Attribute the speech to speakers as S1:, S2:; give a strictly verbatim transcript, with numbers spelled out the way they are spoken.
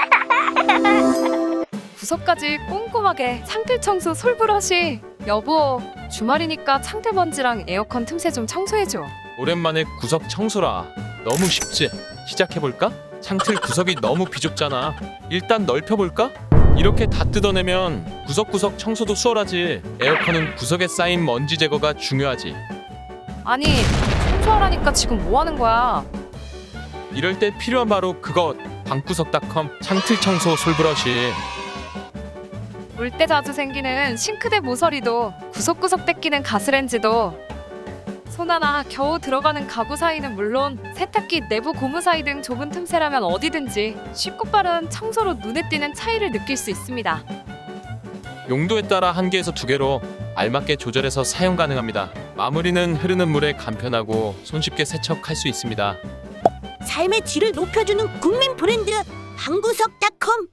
S1: 구석까지 꼼꼼하게 창틀 청소 솔브러시. 여보, 주말이니까 창틀 먼지랑 에어컨 틈새 좀 청소해줘.
S2: 오랜만에 구석 청소라. 너무 쉽지? 시작해볼까? 창틀 구석이 너무 비좁잖아. 일단 넓혀볼까? 이렇게 다 뜯어내면 구석구석 청소도 수월하지. 에어컨은 구석에 쌓인 먼지 제거가 중요하지.
S1: 아니, 청소하라니까 지금 뭐 하는 거야?
S2: 이럴 때 필요한 바로 그것. 방구석닷컴 창틀 청소 솔브러시.
S1: 물 때 자주 생기는 싱크대 모서리도, 구석구석 떼끼는 가스렌지도, 손 하나 겨우 들어가는 가구 사이는 물론 세탁기 내부 고무 사이 등 좁은 틈새라면 어디든지 쉽고 빠른 청소로 눈에 띄는 차이를 느낄 수 있습니다.
S2: 용도에 따라 한 개에서 두 개로 알맞게 조절해서 사용 가능합니다. 마무리는 흐르는 물에 간편하고 손쉽게 세척할 수 있습니다.
S3: 삶의 질을 높여주는 국민 브랜드 방구석닷컴.